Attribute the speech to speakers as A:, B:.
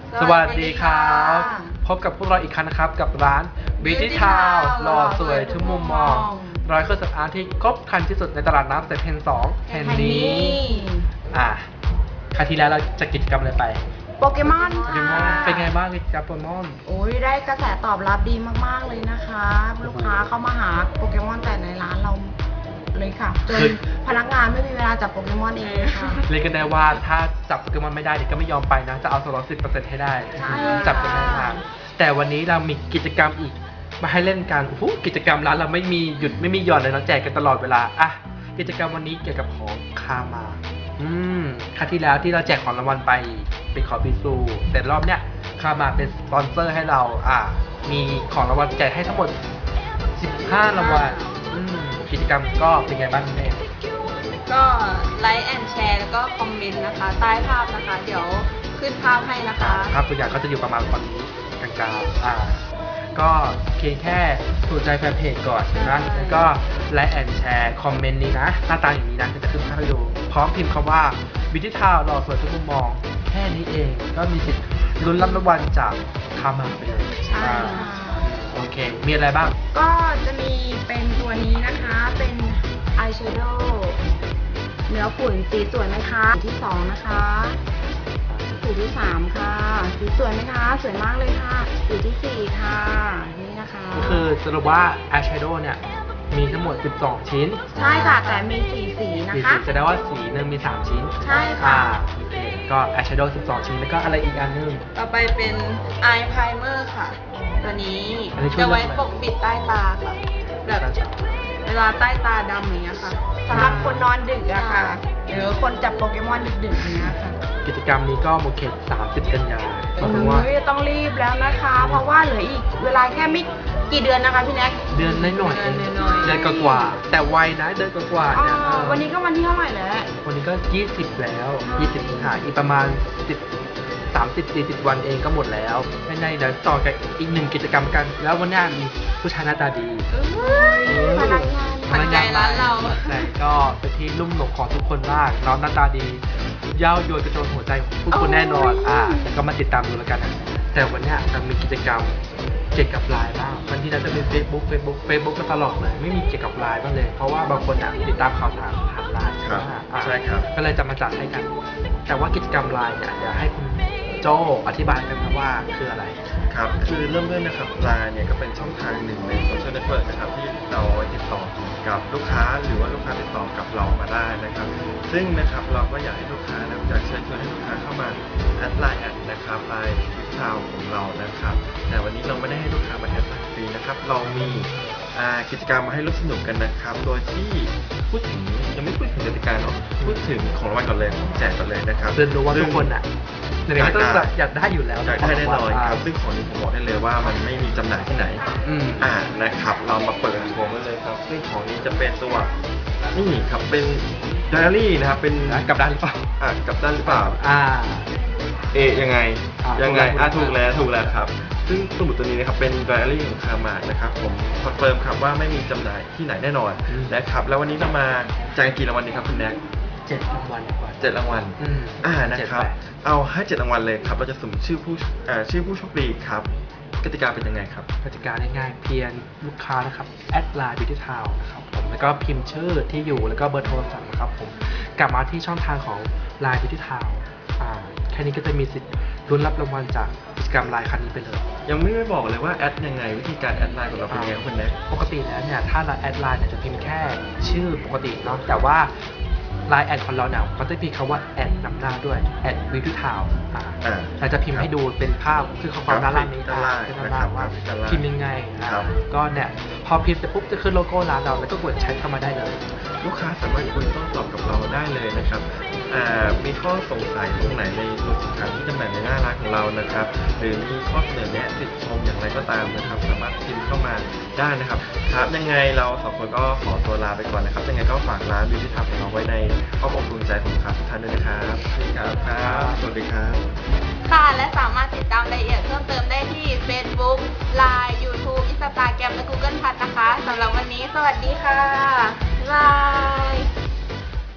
A: สวัสดีครับพบกับพวกเราอีกครั้งนะครับกับร้าน Beauty Town หล่อสวยทุกมุมมองร้อยเครื่องสำอางที่ครบครันที่สุดในตลาดน้ำเซ็นทรัล2แห่งนี้ครั้งที่แล้วเราจะกิจกรรมอะไรไป
B: โปเกมอนค่ะ
A: เป็นไงบ้างกิจกรรมโปเกมอน
B: โอ้ยได้กระแสตอบรับดีมากๆเลยนะคะลูกค้าเข้ามาหาโปเกมอนแต่ในร้านเราเลยค่ะจนพนักงานไม่มีเวลาจับโปเกมอนเองค่ะ
A: เรียกกันได้ว่าถ้าจับโปเกมอนไม่ได้เด็กก็ไม่ยอมไปนะจะเอาส่วนลด 10% ให้ได้จับกันได้มากแต่วันนี้เรามีกิจกรรมอีกมาให้เล่นกันโอ้โหกิจกรรมร้านเราไม่มีหยุดไม่มีหย่อนเลยเราแจกกันตลอดเวลากิจกรรมวันนี้เกี่ยวกับของคามาครั้งที่แล้วที่เราแจกของรางวัลไปเป็นของบิซูแต่รอบเนี้ยคามาเป็นสปอนเซอร์ให้เรามีของรางวัลแจกให้ทั้งหมด15รางวัลกิจกรรมก็เป็นไงบ้างแม่
C: ก็ไลค์แอนแชร์แล้วก็คอมเมนต์นะคะใต้ภาพนะคะเดี๋ยวขึ้นภาพให้นะคะ
A: ภาพตัวอย่างก็จะอยู่ประมาณตอนนี้กลางๆก็เพียงแค่สนใจแฟนเพจก่อนนะแล้วก็ไลค์แอนแชร์คอมเมนต์นี้นะหน้าตาอย่างนี้นะจะขึ้นภาพให้ดูพร้อมพิมพ์คำว่า Beauty Town หล่อสวยทุกมุมมองแค่นี้เองก็มีสิทธิ์ลุ้นรับรางวัลจากคามาไปเลย
B: ใช่
A: โอเคมีอะไรบ้าง
B: ก็จะมีเป็นตัวนี้นะคะเป็นอายแชโดว์เนื้อฝุ่นสีสวยไหมคะสีที่2นะคะสีที่3ค่ะสีสวยไหมคะสวยมากเลยค่ะสีที่4ค่ะนี่นะคะ
A: คือสรุปว่าอายแชโดว์เนี่ยมีทั้งหมด12ชิ้น
B: ใช่ค่ะแต่มี4สีนะคะ
A: แสดงว่าสีนึงมี3ชิ้น
B: ใช่ค่ะ
A: ก็อายแชโดว์12ชิ้นแล้วก็อะไรอีกอันนึง
C: ต่อไปเป็นอายไพรเมอร์ค่ะตัวนี้จะไว้ปกปิดใต้ตาค่ะแบบเวลาใต้ตาดำอย่างเงี้ยค่ะ
B: สำหรับคนนอนดึกอะค่ะหรือคนจับโปเกมอนดึกๆอย่างเงี้ยค่ะ
A: กิจกรรมนี้ก็หมดเขต30 กันยายน
B: ต้องรีบแล้วนะคะเพราะว่าเหลืออีกเวลาแค่ไม่กี่เดือนนะคะพี่แน็ก
A: เดือนน้อยๆเดือนกว่าแต่ไวนะเดือนกว่าเนี่ย
B: วันนี้ก็วันที่เท่าไหร่แล้ว
A: วันนี้ก็20แล้ว20สิงหาอีกประมาณ30-40 วันเองก็หมดแล้วไม่ในเดี๋ยวต่อกับอีก1กิจกรรมกันแล้ววันนี้มีผู้ชายหน้าตาดี
B: พนัก
C: งานร้านเรา
A: แต่ก็เป็นที่ลุ่มหลงของทุกคนมากน้องหน้าตาดีเย้าโยนกระโจนหัวใจทุกคนแน่นอนแต่ก็มาติดตามดูแล้วกันนะแต่วันนี้จะมีกิจกรรมเกี่ยวกับไลน์บ้างวันที่เราจะเป็น Facebook ก็ตลอดเลยไม่มีเกี่ยวกับไลน์บ้างเลยเพราะว่าบางคนติดตามข่าวสารผ่านไลน์
D: ใช่ครับ
A: ก็เลยจะมาจัดให้กันแต่ว่ากิจกรรมไลน์เนี่ยเดี๋ยวให้คุณโจอธิบายกันนะว่าคืออะไร
D: ครับคือเริ่มต้นนะครับไลน์เนี่ยก็เป็นช่องทางหนึ่งในโซเชียลเน็ตเวิร์กนะครับที่เราติดต่อกับลูกค้าหรือว่าลูกค้าติดต่อกับเรามาได้นะครับซึ่งนะครับเราก็อยากให้ลูกค้านะอยากเชิญชวนให้ลูกค้าเข้ามาแอดไลน์นะครับไลน์วิทาวของเรานะครับแต่วันนี้เราไม่ได้ให้ลูกค้ามาแอดไลน์ฟรีนะครับเรามีกิจกรรมมาให้ร่วมสนุกกันนะครับโดยที่พูดถึงยังไม่พูดถึงกติกาเนาะพูดถึงของรางวัลก่อนเลยแจกก่อนเลยนะครับ
A: เรียนรู้ว่าทุกคนอยากได้อยู่แล้ว
D: อยากได้แน่นอนครับซึ่งของนี้ผมบอกได้เลยว่ามันไม่มีจำหน่ายที่ไหนนะครับเรามาเปิดโชว์กันเลยครับซึ่งของนี้จะเป็นตัวนี่ครับเป็นไดอารี่นะครับเป็น
A: กับด้านหรือเปล่า
D: กับด้านหรือเปล่ายังไงถูกแล้วครับซึ่งสมุดตัวนี้นะครับเป็นไดอารี่ของคามานะครับผมคอนเฟิร์มครับว่าไม่มีจำหน่ายที่ไหนแน่นอนนะครับแล้ววันนี้เรามาแจกกี่รางวัลดีครับคุณแน็ก
A: 7 รางวัลกว่า
D: 7 รางวัลนะครับเอาให้7 รางวัลเลยครับเราจะสุ่มชื่อผู้โชคดีครับกติกาเป็นยังไงครับ
A: กติกาง่ายๆเพียงลูกค้านะครับแอดไลน์ Beauty Town นะครับผมแล้วก็พิมพ์ชื่อที่อยู่แล้วก็เบอร์โทรศัพท์นะครับผมกลับมาที่ช่องทางของ Line Beauty Town แค่นี้ก็จะมีสิทธิ์ลุ้นรับรางวัลจากกิจกรรมไลน์ครั้งนี้ไปเลย
D: ยังไม่ได้บอกเลยว่าแอดยังไงวิธีการแอดไลน์ของเราเป็นยังไงคุณแน็ก
A: ปกติแล้วเนี่ยถ้าเราแอดไลน์เนี่ยจะพิมพ์แค่ชื่อปกติเนาะแต่ว่าไลน์แอดของเราเนี่ยมันจะพิมพ์คำว่าแอดนำหน้าด้วยแอดวิวทูทาวเราจะพิมพ์ให้ดูเป็นภาพคือข้อความด้านล่างนี้
D: นะครับ
A: ว่าพิมพ์ยังไงก็เนี่ยพอพิมพ์เสร็จปุ๊บจะขึ้นโลโก้ร้านเราแล้วก็กดแชทเข้ามาได้เลย
D: ลูกค้าสามารถคุยโต้ตอบกับเราได้เลยนะครับมีข้อสงสัยตรงไหนในตัวสินค้าที่จำหน่ายในหน้าร้านของเรานะครับหรือมีข้อเสนอแนะติชมอย่างไรก็ตามนะครับสามารถพิมพ์เข้ามาได้นะครับครับยังไงเรา2 คนก็ขอตัวลาไปก่อนนะครับยังไงก็ฝากร้าน Beauty Town ของเราไว้ในอ้อมอกดวงใจของลูกค้าทุกท่านด้วยนะครับสวัสดีครับ
C: ค่ะและสามารถติดตามรายละเอียดเพิ่มเติมได้ที่ Facebook Line YouTube Instagram และ Google+ นะคะสำหรับวันนี้สวัสดีค่ะ